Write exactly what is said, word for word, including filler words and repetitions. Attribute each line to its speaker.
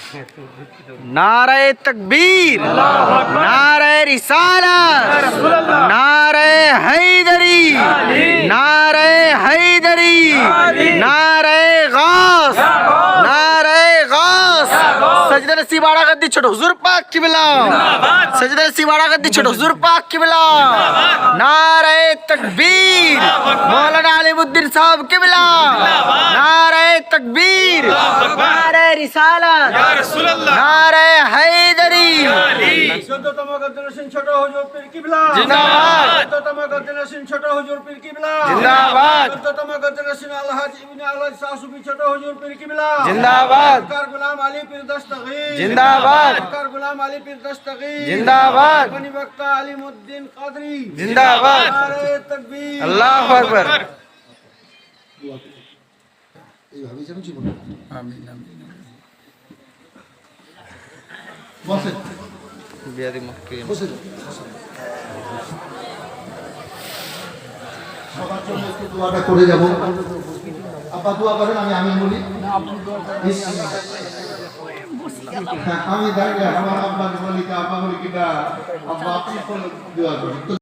Speaker 1: नारे तकबीर, नारे रिसालत, नारे हैदरी, नारे हैदरी, नारे गास, नारे गास। सजदे नसीब आड़ा गद्दी छोड़ो हुजूर पाक किबला, सजदे नसीब आड़ा गद्दी छोड़ो हुजूर पाक किबला। नारे तकबीर, मौलाना अलीमुद्दीन साहब किबला, नारे तकबीर, नारे रिसालत, नारे हैदरी।
Speaker 2: চোদ্দতম গদ্দার হোসেন ছোট হুজুর পীর কিবলা
Speaker 1: জিন্দাবাদ।
Speaker 2: চোদ্দতম গদ্দার হোসেন ছোট হুজুর পীর কিবলা
Speaker 1: জিন্দাবাদ।
Speaker 2: চোদ্দতম গদ্দার হোসেন আলহাজ ইবনে আলহাজ সাসুবি ছোট হুজুর পীর কিবলা
Speaker 1: জিন্দাবাদ।
Speaker 2: সরকার গোলাম আলী পীর দস্তগীর
Speaker 1: জিন্দাবাদ।
Speaker 2: সরকার গোলাম আলী পীর দস্তগীর
Speaker 1: জিন্দাবাদ।
Speaker 2: বনি বক্তা আলিমউদ্দিন কাদরি
Speaker 1: জিন্দাবাদ।
Speaker 2: নারে তাকবীর
Speaker 1: আল্লাহু আকবার।
Speaker 3: এইভাবেই যেন জীবন আমিন আমিন বসেন
Speaker 1: বিয়াদি মুক্তি
Speaker 3: বসেন সবার জন্য একটু দোয়াটা করে যাব। আব্বা দোয়া করেন, আমি আমিন বলি। হ্যাঁ, আমি দাঁড়িয়ে আমার আব্বা বলি, আব্বা বলি কিনা আব্বা আপনি দোয়া করেন।